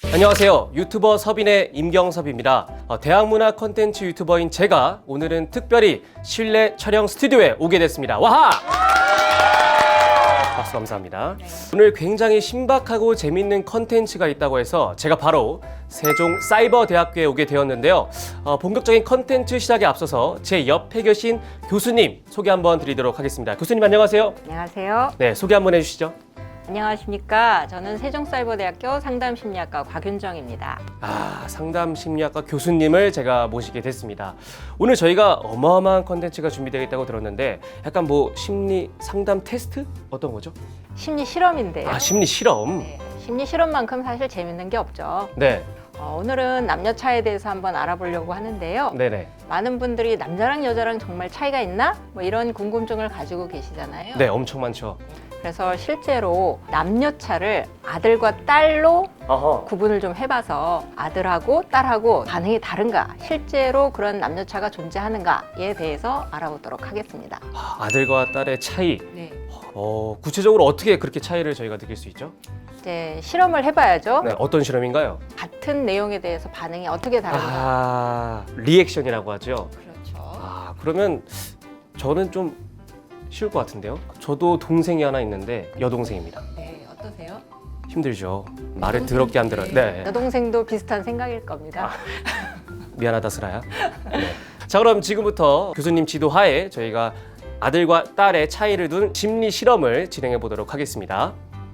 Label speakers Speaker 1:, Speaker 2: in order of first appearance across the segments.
Speaker 1: 안녕하세요. 유튜버 섭인의 임경섭입니다. 대학문화 콘텐츠 유튜버인 제가 오늘은 특별히 실내 촬영 스튜디오에 오게 됐습니다. 와하! 박수 감사합니다. 오늘 굉장히 신박하고 재밌는 컨텐츠가 있다고 해서 제가 바로 세종사이버대학교에 오게 되었는데요. 본격적인 컨텐츠 시작에 앞서서 제 옆에 계신 교수님 소개 한번 드리도록 하겠습니다. 교수님 안녕하세요.
Speaker 2: 안녕하세요.
Speaker 1: 네, 소개 한번 해주시죠.
Speaker 2: 안녕하십니까. 저는 세종사이버대학교 상담심리학과 곽윤정입니다.
Speaker 1: 상담심리학과 교수님을 제가 모시게 됐습니다. 오늘 저희가 어마어마한 컨텐츠가 준비되어 있다고 들었는데 약간 뭐 심리 상담 테스트? 어떤 거죠?
Speaker 2: 심리 실험인데요.
Speaker 1: 심리 실험.
Speaker 2: 네, 심리 실험만큼 사실 재밌는 게 없죠.
Speaker 1: 네.
Speaker 2: 오늘은 남녀 차이에 대해서 한번 알아보려고 하는데요.
Speaker 1: 네네.
Speaker 2: 많은 분들이 남자랑 여자랑 정말 차이가 있나? 뭐 이런 궁금증을 가지고 계시잖아요.
Speaker 1: 네, 엄청 많죠.
Speaker 2: 그래서 실제로 남녀차를 아들과 딸로
Speaker 1: 어허.
Speaker 2: 구분을 좀 해봐서 아들하고 딸하고 반응이 다른가, 실제로 그런 남녀차가 존재하는가에 대해서 알아보도록 하겠습니다.
Speaker 1: 아들과 딸의 차이.
Speaker 2: 네.
Speaker 1: 구체적으로 어떻게 그렇게 차이를 저희가 느낄 수 있죠?
Speaker 2: 이제 실험을 해봐야죠.
Speaker 1: 네, 어떤 실험인가요?
Speaker 2: 같은 내용에 대해서 반응이 어떻게 다른가.
Speaker 1: 리액션이라고 하죠.
Speaker 2: 그렇죠.
Speaker 1: 그러면 저는 좀 쉬울 것 같은데요? 저도 동생이 하나 있는데 여동생입니다.
Speaker 2: 네, 어떠세요?
Speaker 1: 힘들죠. 말을 더럽게 안 들어요. 네.
Speaker 2: 여동생도 비슷한 생각일 겁니다.
Speaker 1: 미안하다 슬아야. 네. 자, 그럼 지금부터 교수님 지도하에 저희가 아들과 딸의 차이를 둔 심리 실험을 진행해 보도록 하겠습니다.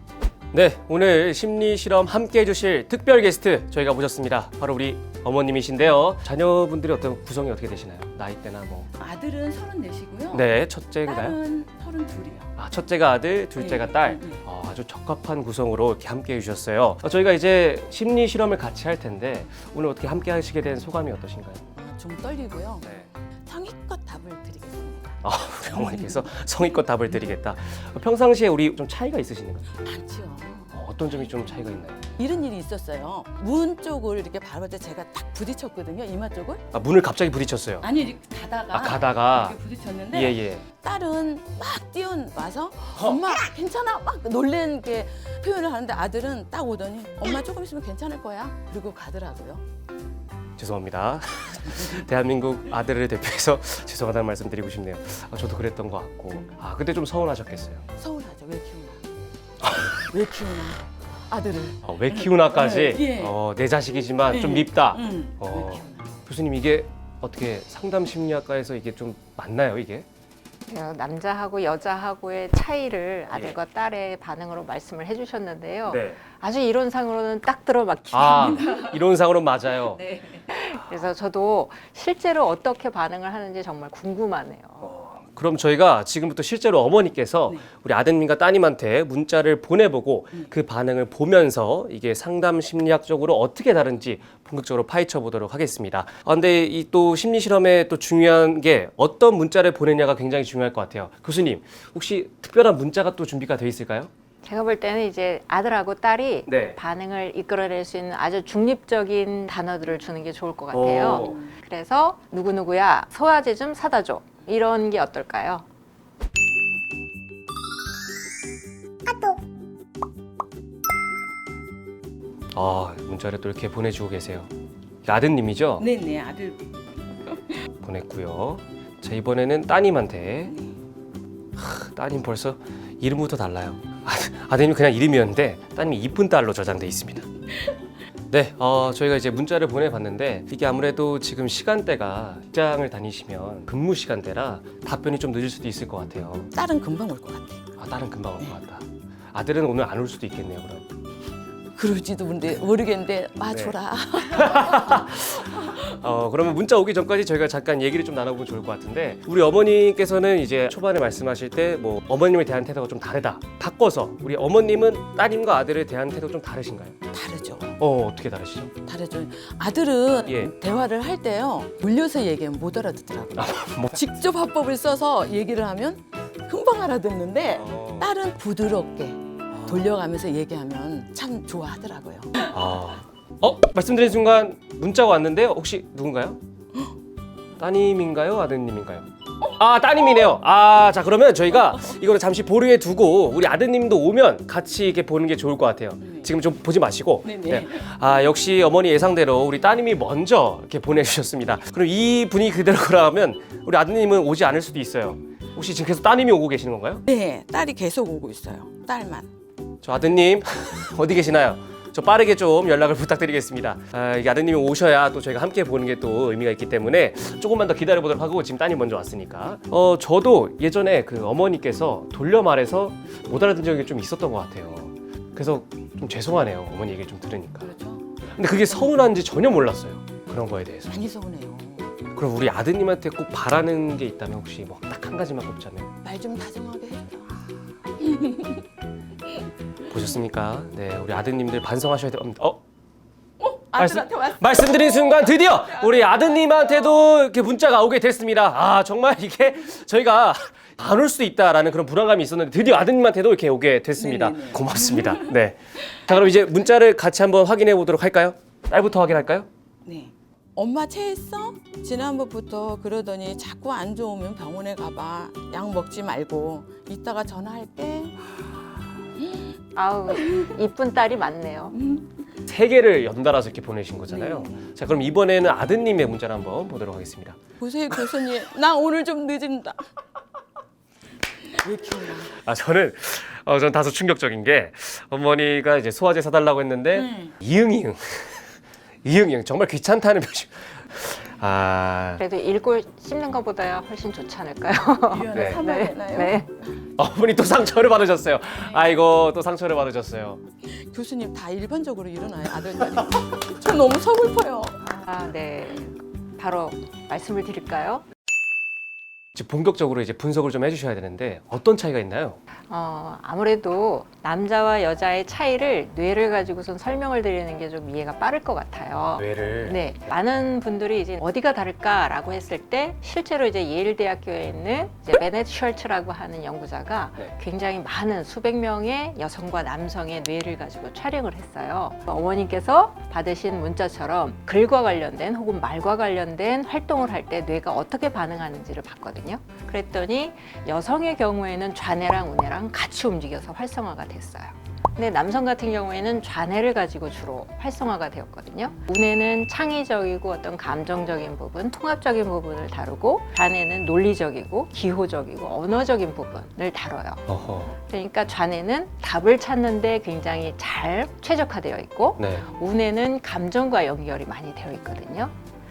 Speaker 1: 네, 오늘 심리 실험 함께 해주실 특별 게스트 저희가 모셨습니다. 바로 우리 어머님이신데요. 자녀분들이 어떤 구성이 어떻게 되시나요? 나이대나 뭐?
Speaker 3: 아들은 34시고요.
Speaker 1: 네, 첫째인가요?
Speaker 3: 딸은 32이요.
Speaker 1: 첫째가 아들, 둘째가
Speaker 3: 네,
Speaker 1: 딸.
Speaker 3: 네, 네.
Speaker 1: 아주 적합한 구성으로 이렇게 함께 해주셨어요. 저희가 이제 심리 실험을 같이 할 텐데 오늘 어떻게 함께 하시게 된 소감이 어떠신가요?
Speaker 3: 좀 떨리고요.
Speaker 1: 네.
Speaker 3: 성의껏 답을 드리겠습니다.
Speaker 1: 우리 어머니께서 성의껏 답을 드리겠다. 평상시에 우리 좀 차이가 있으신가요?
Speaker 3: 많지요.
Speaker 1: 어떤 점이 좀 차이가 있나요?
Speaker 3: 이런 일이 있었어요. 문 쪽을 이렇게 바를 때 제가 딱 부딪혔거든요. 이마 쪽을.
Speaker 1: 문을 갑자기 부딪혔어요.
Speaker 3: 아니 이렇게 가다가
Speaker 1: 가다가.
Speaker 3: 이렇게 부딪혔는데
Speaker 1: 예.
Speaker 3: 딸은 막 뛰어와서 엄마 괜찮아 막 놀란 게 표현을 하는데 아들은 딱 오더니 엄마 조금 있으면 괜찮을 거야. 그리고 가더라고요.
Speaker 1: 죄송합니다. 대한민국 아들을 대표해서 죄송하다는 말씀 드리고 싶네요. 저도 그랬던 것 같고. 그때 좀 서운하셨겠어요.
Speaker 3: 서운하죠. 왜 키우나. 왜 키우나 아들을.
Speaker 1: 왜 키우나까지
Speaker 3: 예.
Speaker 1: 내 자식이지만 좀
Speaker 3: 예.
Speaker 1: 밉다.
Speaker 3: 왜 키우나.
Speaker 1: 교수님 이게 어떻게 상담 심리학과에서 이게 좀 맞나요 이게?
Speaker 2: 남자하고 여자하고의 차이를 아들과 딸의 반응으로 말씀을 해주셨는데요.
Speaker 1: 네.
Speaker 2: 아주 이론상으로는 딱 들어맞습니다.
Speaker 1: 이론상으로 맞아요.
Speaker 2: 네. 그래서 저도 실제로 어떻게 반응을 하는지 정말 궁금하네요.
Speaker 1: 그럼 저희가 지금부터 실제로 어머니께서
Speaker 3: 네.
Speaker 1: 우리 아드님과 따님한테 문자를 보내보고 그 반응을 보면서 이게 상담 심리학적으로 어떻게 다른지 본격적으로 파헤쳐 보도록 하겠습니다. 근데 이 또 심리 실험에 또 중요한 게 어떤 문자를 보내냐가 굉장히 중요할 것 같아요. 교수님, 혹시 특별한 문자가 또 준비가 돼 있을까요?
Speaker 2: 제가 볼 때는 이제 아들하고 딸이
Speaker 1: 네.
Speaker 2: 반응을 이끌어낼 수 있는 아주 중립적인 단어들을 주는 게 좋을 것 같아요. 그래서 누구누구야 소화제 좀 사다 줘. 이런 게 어떨까요?
Speaker 1: 문자를 또 이렇게 보내주고 계세요. 아드님이죠?
Speaker 3: 네네 아들.
Speaker 1: 보냈고요. 자, 이번에는 따님한테. 따님 벌써 이름부터 달라요. 아드님 그냥 이름이었는데 따님이 이쁜 딸로 저장돼 있습니다. 네, 저희가 이제 문자를 보내봤는데 이게 아무래도 지금 시간대가 직장을 다니시면 근무 시간대라 답변이 좀 늦을 수도 있을 것 같아요.
Speaker 3: 딸은 금방 올 것 같아요.
Speaker 1: 딸은 금방 올 것 같다. 아들은 오늘 안 올 수도 있겠네요, 그럼.
Speaker 3: 그럴지도 모르겠는데
Speaker 1: 네.
Speaker 3: 줘라.
Speaker 1: 그러면 문자 오기 전까지 저희가 잠깐 얘기를 좀 나눠보면 좋을 것 같은데 우리 어머니께서는 이제 초반에 말씀하실 때 뭐 어머님에 대한 태도가 좀 다르다. 바꿔서 우리 어머님은 따님과 아들에 대한 태도가 좀 다르신가요?
Speaker 3: 다르죠.
Speaker 1: 어떻게 다르시죠?
Speaker 3: 다르죠. 아들은
Speaker 1: 예.
Speaker 3: 대화를 할 때요. 물려서 얘기하면 못 알아듣더라고요.
Speaker 1: 뭐.
Speaker 3: 직접 화법을 써서 얘기를 하면 금방 알아듣는데 딸은 부드럽게 돌려가면서 얘기하면 참 좋아하더라고요.
Speaker 1: 말씀드린 순간 문자가 왔는데요. 혹시 누군가요? 따님인가요? 아드님인가요? 아, 따님이네요. 아, 자, 그러면 저희가 이거를 잠시 보류해 두고 우리 아드님도 오면 같이 이렇게 보는 게 좋을 것 같아요. 지금 좀 보지 마시고.
Speaker 3: 네네.
Speaker 1: 아, 역시 어머니 예상대로 우리 따님이 먼저 이렇게 보내주셨습니다. 그럼 이 분위기 그대로라면 우리 아드님은 오지 않을 수도 있어요. 혹시 지금 계속 따님이 오고 계시는 건가요?
Speaker 3: 네, 딸이 계속 오고 있어요. 딸만.
Speaker 1: 저 아드님 어디 계시나요? 저 빠르게 좀 연락을 부탁드리겠습니다. 아, 이게 아드님이 오셔야 또 저희가 함께 보는 게 또 의미가 있기 때문에 조금만 더 기다려 보도록 하고 지금 따님 먼저 왔으니까. 저도 예전에 그 어머니께서 돌려 말해서 못 알아듣는 적이 좀 있었던 것 같아요. 그래서 좀 죄송하네요. 어머니 얘기 좀 들으니까.
Speaker 3: 그렇죠.
Speaker 1: 근데 그게 서운한지 전혀 몰랐어요. 그런 거에 대해서.
Speaker 3: 많이 서운해요.
Speaker 1: 그럼 우리 아드님한테 꼭 바라는 게 있다면 혹시 뭐 딱 한 가지만 꼽자면
Speaker 3: 말 좀 다정하게 해줘.
Speaker 1: 보셨습니까? 네, 우리 아드님들 반성하셔야 됩니다.
Speaker 3: 아들한테 왔어.
Speaker 1: 말씀드린 순간 드디어 우리 아드님한테도 이렇게 문자가 오게 됐습니다. 아, 정말 이게 저희가 안 올 수도 있다라는 그런 불안감이 있었는데 드디어 아드님한테도 이렇게 오게 됐습니다.
Speaker 3: 네네네.
Speaker 1: 고맙습니다. 네. 자, 그럼 이제 문자를 같이 한번 확인해 보도록 할까요? 딸부터 확인할까요?
Speaker 3: 네. 엄마 체했어? 지난번부터 그러더니 자꾸 안 좋으면 병원에 가봐. 약 먹지 말고 이따가 전화할게.
Speaker 2: 아우, 이쁜 딸이 많네요.
Speaker 1: 3개를 연달아서 이렇게 보내신 거잖아요. 자, 그럼 이번에는 아드님의 문자를 한번 보도록 하겠습니다.
Speaker 3: 보세요 교수님. 나 오늘 좀 늦은다. 왜 키우나?
Speaker 1: 아, 저는 다소 충격적인 게 어머니가 이제 소화제 사달라고 했는데 이응이응 이응이응 정말 귀찮다는 표시. 아,
Speaker 2: 그래도 읽고 씹는 것보다야 훨씬 좋지 않을까요?
Speaker 1: 네.
Speaker 3: 사봐야 되나요?
Speaker 2: 네.
Speaker 1: 어머니 또 상처를 받으셨어요. 아이고, 또 상처를 받으셨어요.
Speaker 3: 교수님 다 일반적으로 일어나요 아들들이. 저 너무 서글퍼요.
Speaker 2: 아, 네. 바로 말씀을 드릴까요?
Speaker 1: 이제 본격적으로 이제 분석을 좀 해주셔야 되는데 어떤 차이가 있나요?
Speaker 2: 아무래도 남자와 여자의 차이를 뇌를 가지고선 설명을 드리는 게 좀 이해가 빠를 것 같아요.
Speaker 1: 뇌를.
Speaker 2: 네, 많은 분들이 이제 어디가 다를까라고 했을 때 실제로 이제 예일 대학교에 있는 이제 베넷 셜츠라고 하는 연구자가
Speaker 1: 네.
Speaker 2: 굉장히 많은 수백 명의 여성과 남성의 뇌를 가지고 촬영을 했어요. 어머님께서 받으신 문자처럼 글과 관련된 혹은 말과 관련된 활동을 할 때 뇌가 어떻게 반응하는지를 봤거든요. 그랬더니 여성의 경우에는 좌뇌랑 우뇌랑 같이 움직여서 활성화가 됐어요. 근데 남성 같은 경우에는 좌뇌를 가지고 주로 활성화가 되었거든요. 우뇌는 창의적이고 어떤 감정적인 부분, 통합적인 부분을 다루고 좌뇌는 논리적이고 기호적이고 언어적인 부분을 다뤄요.
Speaker 1: 어허.
Speaker 2: 그러니까 좌뇌는 답을 찾는데 굉장히 잘 최적화되어 있고
Speaker 1: 네.
Speaker 2: 우뇌는 감정과 연결이 많이 되어 있거든요.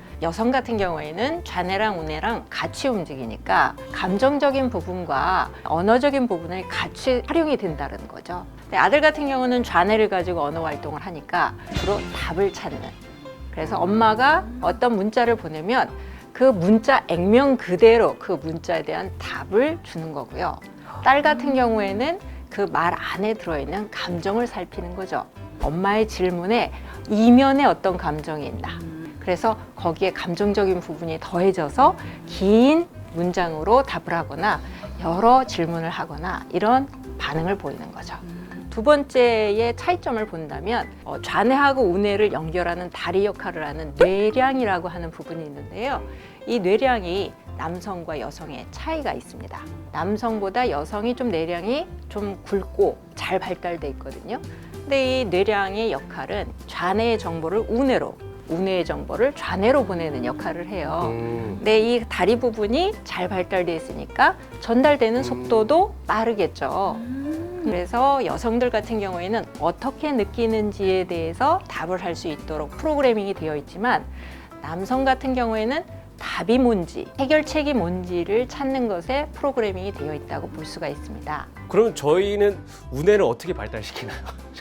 Speaker 2: 여성 같은 경우에는 좌뇌랑 우뇌랑 같이 움직이니까 감정적인 부분과 언어적인 부분을 같이 활용이 된다는 거죠. 근데 아들 같은 경우는 좌뇌를 가지고 언어 활동을 하니까 주로 답을 찾는. 그래서 엄마가 어떤 문자를 보내면 그 문자 액면 그대로 그 문자에 대한 답을 주는 거고요. 딸 같은 경우에는 그 말 안에 들어있는 감정을 살피는 거죠. 엄마의 질문에 이면에 어떤 감정이 있나. 그래서 거기에 감정적인 부분이 더해져서 긴 문장으로 답을 하거나 여러 질문을 하거나 이런 반응을 보이는 거죠. 두 번째의 차이점을 본다면 좌뇌하고 우뇌를 연결하는 다리 역할을 하는 뇌량이라고 하는 부분이 있는데요. 이 뇌량이 남성과 여성의 차이가 있습니다. 남성보다 여성이 좀 뇌량이 좀 굵고 잘 발달돼 있거든요. 근데 이 뇌량의 역할은 좌뇌의 정보를 우뇌로, 우뇌의 정보를 좌뇌로 보내는 역할을 해요. 근데 이 다리 부분이 잘 발달돼 있으니까 전달되는 속도도 빠르겠죠. 그래서 여성들 같은 경우에는 어떻게 느끼는지에 대해서 답을 할 수 있도록 프로그래밍이 되어 있지만 남성 같은 경우에는 답이 뭔지, 해결책이 뭔지를 찾는 것에 프로그래밍이 되어 있다고 볼 수가 있습니다.
Speaker 1: 그럼 저희는 우뇌를 어떻게 발달시키나요?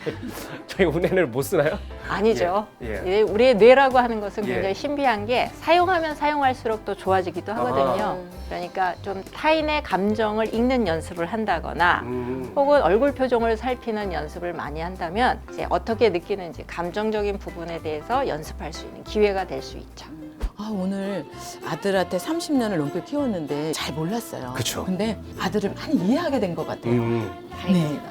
Speaker 1: 저희 우뇌를 못 쓰나요?
Speaker 2: 아니죠.
Speaker 1: 예.
Speaker 2: 예, 우리의 뇌라고 하는 것은
Speaker 1: 예.
Speaker 2: 굉장히 신비한 게 사용하면 사용할수록 또 좋아지기도 하거든요.
Speaker 1: 아하.
Speaker 2: 그러니까 좀 타인의 감정을 읽는 연습을 한다거나 혹은 얼굴 표정을 살피는 연습을 많이 한다면 이제 어떻게 느끼는지 감정적인 부분에 대해서 연습할 수 있는 기회가 될 수 있죠.
Speaker 3: 아, 오늘 아들한테 30년을 넘게 키웠는데 잘 몰랐어요.
Speaker 1: 그쵸.
Speaker 3: 근데 아들을 많이 이해하게 된 것 같아요.
Speaker 2: 다행입니다.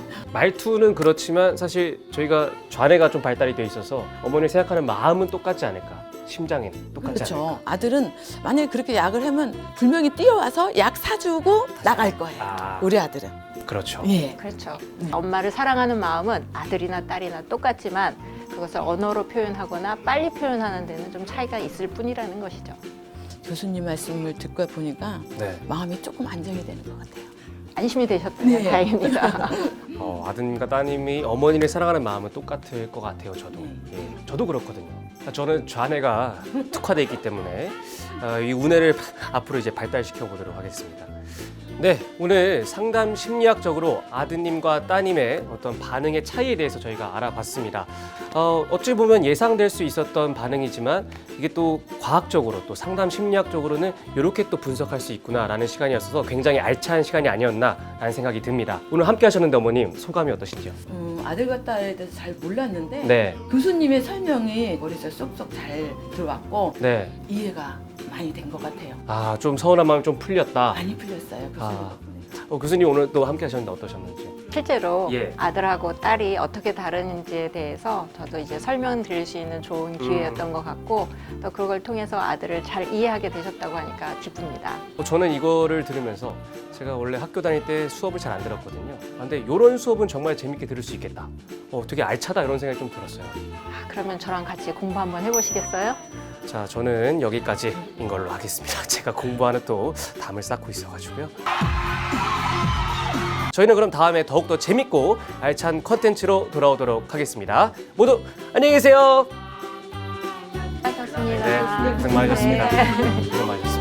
Speaker 1: 말투는 그렇지만 사실 저희가 좌뇌가 좀 발달이 돼 있어서 어머니 생각하는 마음은 똑같지 않을까 심장엔 똑같지 않을까?
Speaker 3: 그렇죠. 아들은 만약에 그렇게 약을 하면 분명히 뛰어와서 약 사주고 나갈 거예요.
Speaker 1: 아.
Speaker 3: 우리 아들은.
Speaker 1: 그렇죠.
Speaker 3: 예.
Speaker 2: 그렇죠. 엄마를 사랑하는 마음은 아들이나 딸이나 똑같지만 그것을 언어로 표현하거나 빨리 표현하는 데는 좀 차이가 있을 뿐이라는 것이죠.
Speaker 3: 교수님 말씀을 듣고 보니까
Speaker 1: 네.
Speaker 3: 마음이 조금 안정이 되는 것 같아요.
Speaker 2: 안심이 되셨다면
Speaker 3: 네.
Speaker 2: 다행입니다.
Speaker 1: 아드님과 따님이 어머니를 사랑하는 마음은 똑같을 것 같아요. 저도. 예, 저도 그렇거든요. 저는 좌뇌가 특화되어 있기 때문에 이 우뇌를 앞으로 이제 발달시켜 보도록 하겠습니다. 네, 오늘 상담 심리학적으로 아드님과 따님의 어떤 반응의 차이에 대해서 저희가 알아봤습니다. 어찌 보면 예상될 수 있었던 반응이지만 이게 또 과학적으로 또 상담 심리학적으로는 이렇게 또 분석할 수 있구나라는 시간이었어서 굉장히 알찬 시간이 아니었나라는 생각이 듭니다. 오늘 함께 하셨는데 어머님 소감이 어떠신지요?
Speaker 3: 아들과 딸에 대해서 잘 몰랐는데
Speaker 1: 네,
Speaker 3: 교수님의 설명이 머릿속에 쏙쏙 잘 들어왔고
Speaker 1: 네.
Speaker 3: 이해가 많이 된 것 같아요.
Speaker 1: 아, 좀 서운한 마음이 좀 풀렸다.
Speaker 3: 많이 풀렸어요. 교수님
Speaker 1: 아.
Speaker 3: 덕분에.
Speaker 1: 교수님 오늘 또 함께 하셨는데 어떠셨는지?
Speaker 2: 실제로
Speaker 1: 예.
Speaker 2: 아들하고 딸이 어떻게 다른지에 대해서 저도 이제 설명드릴 수 있는 좋은 기회였던 것 같고 또 그걸 통해서 아들을 잘 이해하게 되셨다고 하니까 기쁩니다.
Speaker 1: 저는 이거를 들으면서 제가 원래 학교 다닐 때 수업을 잘 안 들었거든요. 근데 이런 수업은 정말 재밌게 들을 수 있겠다. 되게 알차다 이런 생각이 좀 들었어요.
Speaker 2: 그러면 저랑 같이 공부 한번 해보시겠어요?
Speaker 1: 자, 저는 여기까지인 걸로 하겠습니다. 제가 공부하는 또 담을 쌓고 있어가지고요. 저희는 그럼 다음에 더욱더 재밌고 알찬 컨텐츠로 돌아오도록 하겠습니다. 모두 안녕히 계세요.
Speaker 2: 수고하셨습니다.
Speaker 1: 네, 고생 많으셨습니다.
Speaker 2: 네.
Speaker 1: 고생 많으셨습니다.